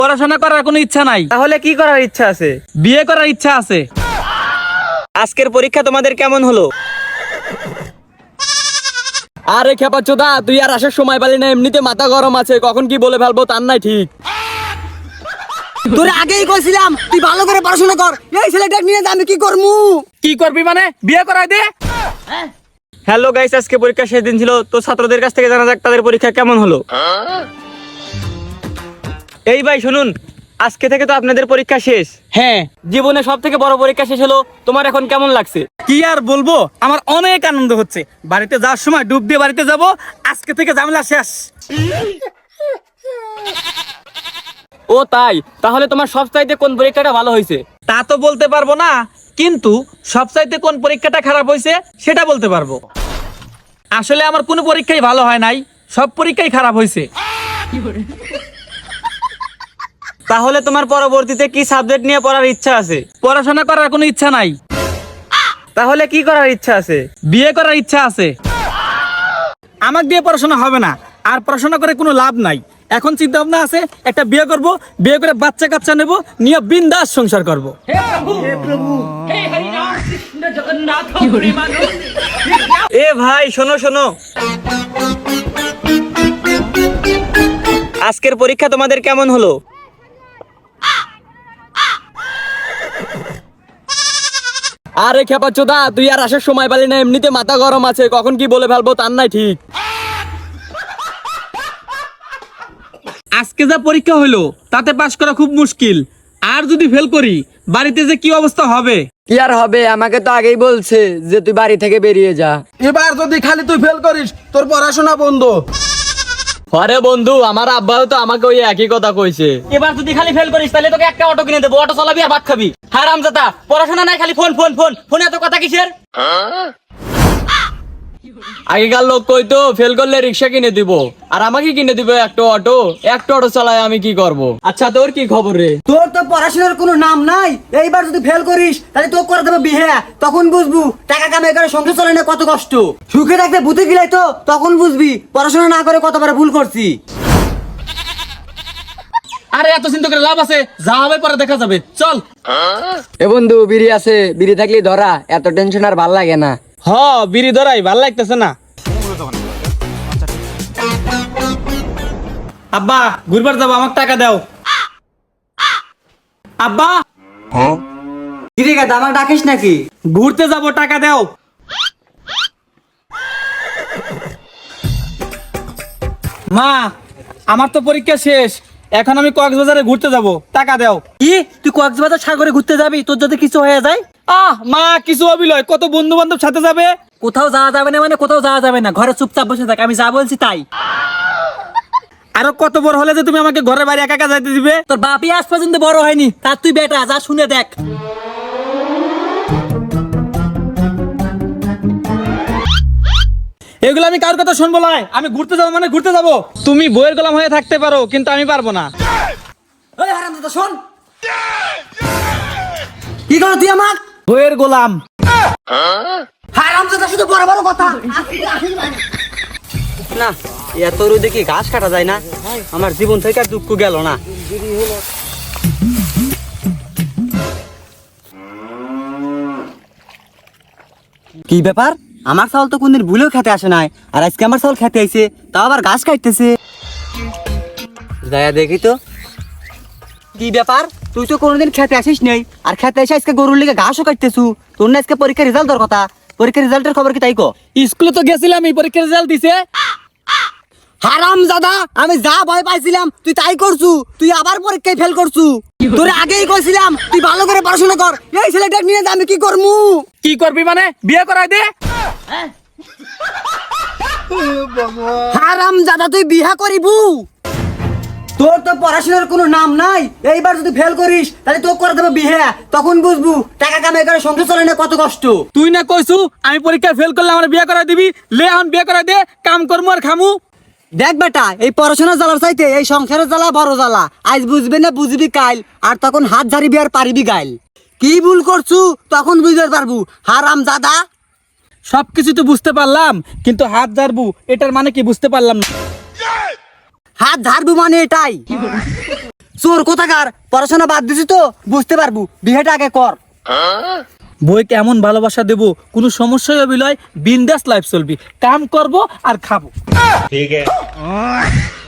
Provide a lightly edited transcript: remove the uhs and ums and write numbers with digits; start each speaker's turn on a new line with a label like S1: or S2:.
S1: পড়াশোনা করার কোনো ইচ্ছা নাই।
S2: তাহলে কি করার ইচ্ছা আছে?
S1: বিয়ে করার ইচ্ছা আছে।
S2: আজকের পরীক্ষা তোমাদের কেমন হলো?
S3: আরে খেপাচ্ছোদা, তুই আর আসার সময় পালি না, এমনিতে মাথা গরম আছে, কখন কি বলে ফেলবো তার নাই ঠিক।
S4: তোরে আগেই কইছিলাম তুই ভালো করে পড়াশোনা কর, এই ছেলেটা নিয়ে আমি কি করমু?
S1: কি করবি মানে? বিয়ে করাই দে।
S2: হ্যালো গাইস, আজকে পরীক্ষা শেষ দিন ছিল, তো ছাত্রদের কাছ থেকে জানা যাক তাদের পরীক্ষা কেমন হলো। এই ভাই শুনুন, আজকে থেকে তো আপনাদের পরীক্ষা শেষ।
S3: হ্যাঁ, জীবনে সব থেকে বড় পরীক্ষা শেষ হলো, তোমার এখন কেমন লাগছে?
S1: কি আর বলবো, আমার অনেক আনন্দ হচ্ছে। বাড়িতে যাওয়ার সময় ডুব দিয়ে বাড়িতে যাব। আজকে থেকে ঝামেলা শেষ।
S3: ও তাই, তাহলে তোমার সবচাইতে কোন পরীক্ষাটা ভালো হয়েছে?
S1: তা তো বলতে পারবো না, কিন্তু সবচাইতে কোন পরীক্ষাটা খারাপ হয়েছে সেটা বলতে পারবো। আসলে আমার কোনো পরীক্ষাই ভালো হয় নাই, সব পরীক্ষাই খারাপ হয়েছে।
S2: তাহলে তোমার পরবর্তীতে কি সাবজেক্ট নিয়ে পড়ার ইচ্ছা আছে?
S1: পড়াশোনা করার কোনো ইচ্ছা নাই।
S2: তাহলে কি করার ইচ্ছা আছে?
S1: বিয়ে করার ইচ্ছা আছে। আমাকে দিয়ে পড়াশোনা হবে না, আর পড়াশোনা করে কোনো লাভ নাই। এখন চিন্তা ভাবনা আছে একটা বিয়ে করব, বিয়ে করে বাচ্চা কাচ্চা নেব, নিয়ে বিন্দাস সংসার করব।
S2: এ ভাই শোনো শোনো, আজকের পরীক্ষা তোমাদের কেমন হলো?
S3: আরে খেপাচ্ছোদা, তুই আর আসার সময় পালি না, এমনিতে মাথা গরম আছে, কখন কি বলে ফেলবো তার নাই ঠিক।
S1: আজকে যা পরীক্ষা হলো তাতে পাশ করা খুব মুশকিল, আর যদি ফেল করি বাড়িতে যে কি অবস্থা হবে।
S4: কি আর হবে, আমাকে তো আগেই বলছে যে তুই বাড়ি থেকে বেরিয়ে যা।
S5: এবার যদি খালি তুই ফেল করিস তোর পড়াশোনা বন্ধ।
S3: আরে বন্ধু, আমার আব্বাও তো আমাকে ওই একই কথা কইছে।
S2: এবার যদি খালি ফেল করিস তাহলে তোকে একটা অটো কিনে দেবো, অটো চালাবি আর ভাত খাবি। হারামজাদা, পড়াশোনা নাই, খালি ফোন ফোন ফোন ফোনে এত কথা কিসের?
S3: আগেকার লোক কইতো ফেল করলে রিক্সা কিনে দিব, আর আমাকে কিনে দিবে একটা অটো চালায় আমি কি করব? আচ্ছা তোর কি খবর রে?
S4: তোর তো পড়াশোনার কোনো নাম নাই, এইবার যদি ফেল করিস তাহলে তোকে করে দেবে বিয়ে, তখন বুঝবু টাকা কামাই করে সংসার চলে না কত কষ্ট। সুখে থাকতে বুঝে গিলাই তো তখন বুঝবি পড়াশোনা না করে কতবার ভুল করছি।
S1: আরে এত চিন্তা করে লাভ আছে, যা হবে পরে দেখা যাবে, চল।
S4: এ বন্ধু, বিড়ি আছে, বিড়ি থাকলে ধরা, এত টেনশন আর ভাল লাগে না।
S1: হ, বিড়ি ধরাই ভাল লাগতেছে না। আব্বা ঘুরবার যাবো, আমাকে টাকা দাও। আব্বা
S4: কিরে গাদা, আমাকে ডাকিস নাকি?
S1: ঘুরতে যাব, টাকা দাও। মা, আমার তো পরীক্ষা শেষ, এখন আমি কক্সবাজারে ঘুরতে যাব, টাকা দাও।
S4: কি, তুই কক্সবাজার সাগরে ঘুরতে যাবি? তোর যদি কিছু হয়ে যায়?
S1: মা কিছু অবিলয়, কত বন্ধু বান্ধব সাথে যাবে।
S4: কোথাও যাওয়া যাবে না মানে কোথাও যাওয়া যাবে না, ঘরে চুপচাপ বসে থাক, আমি যা বলছি তাই।
S1: আরো কত বড় হলে যে তুমি আমাকে ঘরে বাইরে একা একা যাইতে দিবে?
S4: তোর বাপই আজ পর্যন্ত বড় হয়নি, তার তুই বেটা, যা শুনে দেখ।
S1: এগুলো আমি কার কথা শুনবো না, আমি ঘুরতে যাবো মানে ঘুরতে যাবো। তুমি বইয়ের গোলাম হয়ে থাকতে পারো, কিন্তু আমি পারবো না।
S4: ওই হারামজাদা শোন, কি করো তুই আমার?
S1: বইয়ের গোলাম।
S4: হারামজাদা শুধু বড় বড় কথা।
S2: না, এত রোদে কি ঘাস কাটা যায় না? আমার জীবন থেকে আর দুঃখ গেল না।
S4: কি ব্যাপার, আমার চাউল তো কোনদিন ভুলেও খেতে আসে নাই, আর আজকে আমার চাউল খেতে আইছে, তাও আবার ঘাস কাটতেছে। দয়া দেখি তো, কি ব্যাপার, তুই তো কোনোদিন খেতে আসিস নেই, আর খেতে এসে আজকে গরুর লিগে ঘাসও কাটতেছু। তোর না আজকে পরীক্ষার রেজাল্ট দেওয়ার কথা, পরীক্ষার রেজাল্টের খবর কি তাই কো?
S1: স্কুলে তো গেছিলাম, এই পরীক্ষার রেজাল্ট দিছে।
S4: হারামজাদা, আমি যা ভয় পাইছিলাম তুই তাই করছু, তুই আবার পরীক্ষায় ফেল করছু। তোরে আগেই কইছিলাম তুই ভালো করে পড়াশোনা কর, এই ছেলেটা নিয়ে আমি কি করমু?
S1: কি করবি মানে? বিয়ে করাই দে।
S4: হারামজাদা, তুই বিয়া করিবু? তোর তো পড়াশোনার কোনো নাম নাই, এইবার যদি ফেল করিস তাহলে তোকে করে দেবে বিয়ে, তখন বুঝবু টাকা কামাই করে সংসার চলে না কত কষ্ট।
S1: তুই না কইছু আমি পরীক্ষায় ফেল করলে আমার বিয়ে করাই দিবি, লে এখন বিয়ে করাই দে, কাম করমু আর খামু।
S4: দেখ বেটা, এই পড়াশোনার জ্বালার চাইতে এই সংসারের জ্বালা বড় জ্বালা। আজ বুঝবি না বুঝবি কাইল, আর তখন হাত ঝাড়িবি আর পারিবি গাইল। কি ভুল করছু তখন বুঝতে পারবু হারামজাদা।
S1: সবকিছু তো বুঝতে পারলাম, কিন্তু হাত ঝাড়বু এটার মানে কি বুঝতে পারলাম না।
S4: হাত ঝাড়বু মানে এটাই। চোর কোথাকার, পড়াশোনা বাদ দিছি তো বুঝতে পারবো, বিয়েটা আগে কর।
S1: বই কেমন ভালোবাসা দেবো, কোনো সমস্যাই হবে লয়, বিন্দাস লাইফ চলবি, কাম করব আর খাবো।
S6: ठीक है